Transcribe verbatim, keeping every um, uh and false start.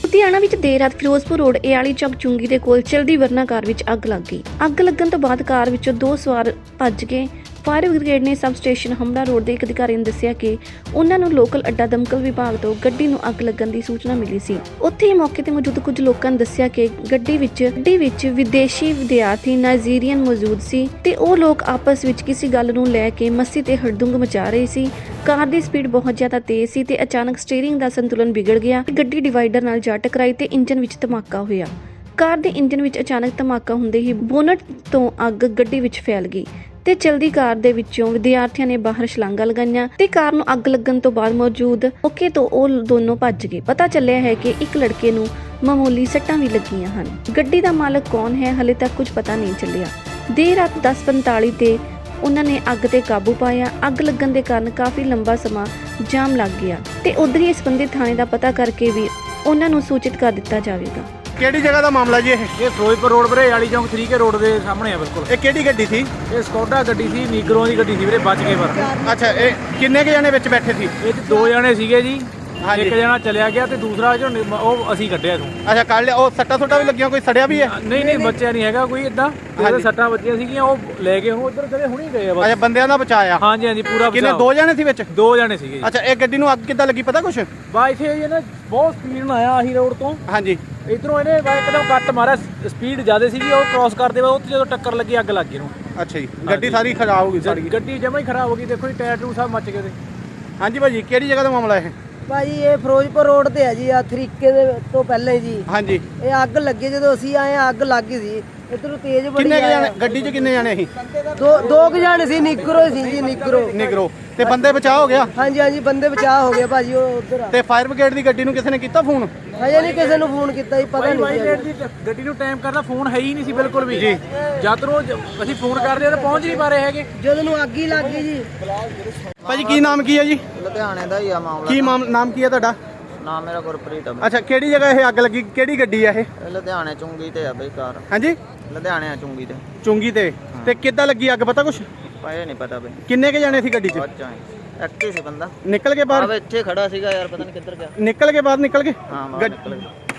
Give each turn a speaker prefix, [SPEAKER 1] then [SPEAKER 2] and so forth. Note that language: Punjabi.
[SPEAKER 1] ਲੁਧਿਆਣਾ ਵਿੱਚ ਦੇਰ ਰਾਤ ਫਿਰੋਜ਼ਪੁਰ ਰੋਡ ਏਆਲੀ ਚੌਕ ਚੁੰਗੀ ਦੇ ਕੋਲ ਚਲਦੀ ਵਰਨਾ ਕਾਰ ਵਿੱਚ ਅੱਗ ਲੱਗ ਗਈ। ਅੱਗ ਲੱਗਣ ਤੋਂ ਬਾਅਦ ਕਾਰ ਵਿੱਚੋਂ ਦੋ ਸਵਾਰ ਭੱਜ ਗਏ। ਫਾਇਰ ਬ੍ਰਿਗੇਡ ਨੇ ਸਬ ਸਟੇਸ਼ਨ ਹਮੜਾ ਰੋਡ ਦੇ ਇੱਕ ਅਧਿਕਾਰੀ ਨੇ ਦੱਸਿਆ ਕਿ ਉਹਨਾਂ ਨੂੰ ਲੋਕਲ ਅੱਡਾ ਦਮਕਲ ਵਿਭਾਗ ਤੋਂ ਗੱਡੀ ਨੂੰ ਅੱਗ ਲੱਗਣ ਦੀ ਸੂਚਨਾ ਮਿਲੀ ਸੀ। ਉੱਥੇ ਹੀ ਮੌਕੇ ਤੇ ਮੌਜੂਦ ਕੁਝ ਲੋਕਾਂ ਨੇ ਦੱਸਿਆ ਕਿ ਗੱਡੀ ਵਿੱਚ ਗੱਡੀ ਵਿੱਚ ਵਿਦੇਸ਼ੀ ਵਿਦਿਆਰਥੀ ਨਾਈਜੀਰੀਅਨ ਮੌਜੂਦ ਸੀ ਤੇ ਉਹ ਲੋਕ ਆਪਸ ਵਿੱਚ ਕਿਸੇ ਗੱਲ ਨੂੰ ਲੈ ਕੇ ਮੱਸੀ ਤੇ ਹੜਦੁੰਗ ਮਚਾ ਰਹੇ ਸੀ। ਕਾਰ ਦੀ ਸਪੀਡ ਬਹੁਤ ਜ਼ਿਆਦਾ ਤੇਜ਼ ਸੀ ਤੇ ਅਚਾਨਕ ਸਟੀਅਰਿੰਗ ਦਾ ਸੰਤੁਲਨ ਵਿਗੜ ਗਿਆ। ਗੱਡੀ ਡਿਵਾਈਡਰ ਨਾਲ ਜਾ ਟਕਰਾਈ ਤੇ ਇੰਜਨ ਵਿੱਚ ਧਮਾਕਾ ਹੋਇਆ। ਕਾਰ ਦੇ ਇੰਜਨ ਵਿੱਚ ਅਚਾਨਕ ਧਮਾਕਾ ਹੁੰਦੇ ਹੀ ਬੋਨਟ ਤੋਂ ਅੱਗ ਗੱਡੀ ਵਿੱਚ ਫੈਲ ਗਈ ਤੇ ਚਲਦੀ ਕਾਰ ਦੇ ਵਿੱਚੋਂ ਵਿਦਿਆਰਥੀਆਂ ਨੇ ਬਾਹਰ ਛਲਾਂਗਾਂ ਲਗਾਈਆਂ ਤੇ ਕਾਰ ਨੂੰ ਅੱਗ ਲੱਗਣ ਤੋਂ ਬਾਅਦ ਮੌਜੂਦ ਮੌਕੇ ਤੋਂ ਉਹ ਦੋਨੋਂ ਭੱਜ ਗਏ। ਪਤਾ ਚੱਲਿਆ ਹੈ ਕਿ ਇੱਕ ਲੜਕੇ ਨੂੰ ਮਾਮੂਲੀ ਸੱਟਾਂ ਵੀ ਲੱਗੀਆਂ ਹਨ। ਗੱਡੀ ਦਾ ਮਾਲਕ ਕੌਣ ਹੈ ਹਲੇ ਤੱਕ ਕੁਝ ਪਤਾ ਨਹੀਂ ਚੱਲਿਆ। ਦੇਰ ਰਾਤ ਦਸ ਪੰਤਾਲੀ ਤੇ ਉਹਨਾਂ ਨੇ ਅੱਗ ਤੇ ਕਾਬੂ ਪਾਇਆ। ਅੱਗ ਲੱਗਣ ਦੇ ਕਾਰਨ ਕਾਫੀ ਲੰਬਾ ਸਮਾਂ ਜਾਮ ਲੱਗ ਗਿਆ ਤੇ ਉਧਰ ਹੀ ਸੰਬੰਧਿਤ ਥਾਣੇ ਦਾ ਪਤਾ ਕਰਕੇ ਵੀ ਉਹਨਾਂ ਨੂੰ ਸੂਚਿਤ ਕਰ ਦਿੱਤਾ ਜਾਵੇਗਾ।
[SPEAKER 2] ਕਿਹੜੀ ਜਗ੍ਹਾ ਦਾ ਮਾਮਲਾ ਜੀ ਇਹ?
[SPEAKER 3] ਇਹ ਫਿਰੋਜ਼ਪੁਰ ਰੋਡ ਵੀਰੇ ਏਆਲੀ ਚੌਂਕ ਥ੍ਰੀ ਕੇ ਰੋਡ ਦੇ ਸਾਹਮਣੇ ਆ ਬਿਲਕੁਲ।
[SPEAKER 2] ਇਹ ਕਿਹੜੀ ਗੱਡੀ ਸੀ?
[SPEAKER 3] ਇਹ ਸਕੋਡਾ ਗੱਡੀ ਸੀ, ਨੀਗਰੋ ਦੀ ਗੱਡੀ ਸੀ ਵੀਰੇ, ਬਚ ਗਏ ਪਰ।
[SPEAKER 2] ਅੱਛਾ, ਇਹ ਕਿੰਨੇ ਕੁ ਜਣੇ ਵਿੱਚ ਬੈਠੇ ਸੀ?
[SPEAKER 3] ਇਹ 'ਚ ਦੋ ਜਣੇ ਸੀਗੇ ਜੀ।
[SPEAKER 2] ਹਾਂਜੀ।
[SPEAKER 3] ਇੱਕ ਜਣਾ ਚਲਿਆ ਗਿਆ ਤੇ ਦੂਸਰਾ ਜੋ ਨਿ- ਉਹ ਅਸੀਂ ਕੱਢਿਆ ਤੂੰ।
[SPEAKER 2] ਅੱਛਾ, ਕੱਢ ਲਿਆ। ਉਹ ਸੱਟਾ ਸੁੱਟਾ ਵੀ ਲੱਗੀਆਂ, ਕੋਈ ਸੜਿਆ ਵੀ ਹੈ?
[SPEAKER 3] ਨਹੀਂ ਨਹੀਂ ਬੱਚਿਆ ਨਹੀਂ ਹੈਗਾ ਕੋਈ ਇਦਾਂ। ਉਹਦੇ ਸੱਟਾਂ ਵੱਜੀਆਂ ਸੀਗੀਆਂ, ਉਹ ਲੈ ਗਏ ਹੁਣ ਉਧਰ ਚਲੇ ਹੁਣੀ ਗਏ ਆ ਬਸ।
[SPEAKER 2] ਅੱਛਾ, ਬੰਦਿਆਂ ਦਾ ਬਚਾਇਆ?
[SPEAKER 3] ਹਾਂਜੀ ਹਾਂਜੀ ਪੂਰਾ
[SPEAKER 2] ਕਿੰਨੇ?
[SPEAKER 3] ਬਚਾਅ।
[SPEAKER 2] ਦੋ ਜਣੇ ਸੀ ਵਿੱਚ?
[SPEAKER 3] ਦੋ ਜਣੇ ਸੀਗੇ ਜੀ।
[SPEAKER 2] ਅੱਛਾ, ਇਹ ਗੱਡੀ ਨੂੰ ਅੱਗ ਕਿੱਦਾਂ ਲੱਗੀ ਪਤਾ ਕੁਛ?
[SPEAKER 3] ਬਾ ਇੱਥੇ ਇਹ ਨਾ ਬਹੁਤ ਸਪੀਡ ਨਾਲ ਆਇਆ ਆਹੀ ਰੋਡ ਤੋਂ।
[SPEAKER 2] ਹਾਂਜੀ।
[SPEAKER 3] ਇਧਰੋਂ ਇਹਨੇ ਬਾ ਇੱਕਦਮ ਕੱਟ ਮਾਰਿਆ, ਸਪੀਡ ਜ਼ਿਆਦਾ ਸੀਗੀ, ਉਹ ਕ੍ਰਾਸ ਕਰਦੇ ਬਾਅਦ ਉੱਥੇ ਜਦੋਂ ਟੱਕਰ ਲੱਗੀ ਅੱਗ ਲੱਗ ਗਈ ਨੂੰ।
[SPEAKER 2] ਅੱਛਾ ਜੀ, ਗੱਡੀ ਸਾਰੀ ਖਰਾਬ ਹੋ ਗਈ, ਸੜ ਗਈ?
[SPEAKER 3] ਗੱਡੀ ਜਮਾ ਹੀ ਖਰਾਬ ਹੋ ਗਈ, ਦੇਖੋ ਜੀ ਟਾਇਰ ਟੂ ਸਭ ਮੱਚ ਗਏ ਤੇ।
[SPEAKER 2] ਹਾਂਜੀ ਭਾਜੀ, ਕਿਹੜੀ ਜਗ੍ਹਾ ਦਾ ਮਾਮਲਾ ਇਹ?
[SPEAKER 4] ਭਾਜੀ ਇਹ ਫਿਰੋਜ਼ਪੁਰ ਰੋਡ ਤੇ ਹੈ ਜੀ, ਆ ਤਰੀਕੇ ਦੇ ਤੋਂ ਪਹਿਲੇ ਜੀ।
[SPEAKER 2] ਹਾਂਜੀ।
[SPEAKER 4] ਇਹ ਅੱਗ ਲੱਗੀ, ਜਦੋਂ ਅਸੀਂ ਆਏ ਅੱਗ ਲੱਗ ਗਈ ਸੀ। ਇਧਰੋਂ ਤੇਜ਼ ਬੜੀ
[SPEAKER 2] ਕਿੰਨੇ ਕੁ
[SPEAKER 4] ਆਇਆ।
[SPEAKER 2] ਜਣੇ ਗੱਡੀ 'ਚ ਕਿੰਨੇ ਜਣੇ ਸੀ?
[SPEAKER 4] ਦੋ ਦੋ ਕੁ ਜਾਣੇ ਸੀ, ਨਿਗਰੋ ਸੀ ਜੀ, ਨਿਗਰੋ।
[SPEAKER 2] ਨਿਗਰੋ ਤੇ ਬੰਦੇ ਬਚਾਅ ਹੋ ਗਿਆ?
[SPEAKER 4] ਹਾਂਜੀ ਹਾਂਜੀ ਬੰਦੇ ਬਚਾਅ ਹੋ ਗਏ ਭਾਜੀ। ਉਹ ਉਧਰ
[SPEAKER 2] ਤੇ ਫਾਇਰ ਬ੍ਰਿਗੇਡ ਦੀ ਗੱਡੀ ਨੂੰ ਕਿਸੇ ਨੇ ਕੀਤਾ ਫੋਨ?
[SPEAKER 4] ਹਜੇ ਨਹੀਂ ਕਿਸੇ ਨੂੰ ਫੋਨ ਕੀਤਾ ਜੀ, ਪਤਾ ਨਹੀਂ
[SPEAKER 3] ਵਾਈਟ
[SPEAKER 4] ਜੀ।
[SPEAKER 3] ਦੀ ਗੱਡੀ ਨੂੰ ਟਾਈਮ ਕਰਦਾ ਫੋਨ ਹੈ ਹੀ ਨਹੀਂ ਸੀ ਬਿਲਕੁਲ ਵੀ ਜੀ। ਜਦ ਨੂੰ ਅਸੀਂ ਫੋਨ ਕਰਦੇ ਆ ਤਾਂ ਪਹੁੰਚ ਨਹੀਂ ਪਾ ਰਹੇ ਹੈਗੇ।
[SPEAKER 4] ਜਦੋਂ ਨੂੰ ਅੱਗ ਹੀ ਲੱਗ ਗਈ ਜੀ।
[SPEAKER 2] ਭਾਜੀ ਕੀ ਨਾਮ ਕੀ ਹੈ ਜੀ?
[SPEAKER 4] ਲੁਧਿਆਣੇ ਦਾ ਹੀ ਆ ਮਾਮਲਾ।
[SPEAKER 2] ਕੀ ਮਾਮ ਨਾਮ ਕੀ ਹੈ ਤੁਹਾਡਾ?
[SPEAKER 4] ਨਾਮ ਮੇਰਾ ਗੁਰਪ੍ਰੀਤ ਆ।
[SPEAKER 2] ਅੱਛਾ, ਕਿਹੜੀ ਜਗ੍ਹਾ ਇਹ ਅੱਗ ਲੱਗੀ? ਕਿਹੜੀ ਗੱਡੀ ਆ ਇਹ?
[SPEAKER 4] ਇਹ ਲੁਧਿਆਣੇ ਚੁੰਗੀ ਤੇ ਆ ਬਈ ਕਾਰ।
[SPEAKER 2] ਹਾਂਜੀ,
[SPEAKER 4] ਲੁਧਿਆਣੇ ਆ ਚੁੰਗੀ ਤੇ।
[SPEAKER 2] ਚੁੰਗੀ ਤੇ। ਤੇ ਕਿੱਦਾਂ ਲੱਗੀ ਅੱਗ ਪਤਾ ਕੁਛ?
[SPEAKER 4] ਪਾਏ ਨਹੀਂ ਪਤਾ ਬਈ।
[SPEAKER 2] ਕਿੰਨੇ ਕੁ ਜਣੇ ਸੀ ਗੱਡੀ 'ਚ?
[SPEAKER 4] ਬੱਚਾ ਐਕਟਿਵ ਸੀ ਬੰਦਾ।
[SPEAKER 2] ਨਿਕਲ ਕੇ
[SPEAKER 4] ਆ
[SPEAKER 2] ਬਾਹਰ?
[SPEAKER 4] ਇੱਥੇ ਖੜਾ ਸੀਗਾ ਯਾਰ, ਪਤਾ ਨਹੀਂ ਕਿੱਧਰ ਗਿਆ।
[SPEAKER 2] ਨਿਕਲ ਕੇ ਬਾਹਰ ਨਿਕਲ ਕੇ
[SPEAKER 4] ਹਾਂ ਬਾਹਰ
[SPEAKER 2] ਗੱਡ-
[SPEAKER 4] ਨਿਕਲ ਗਿਆ।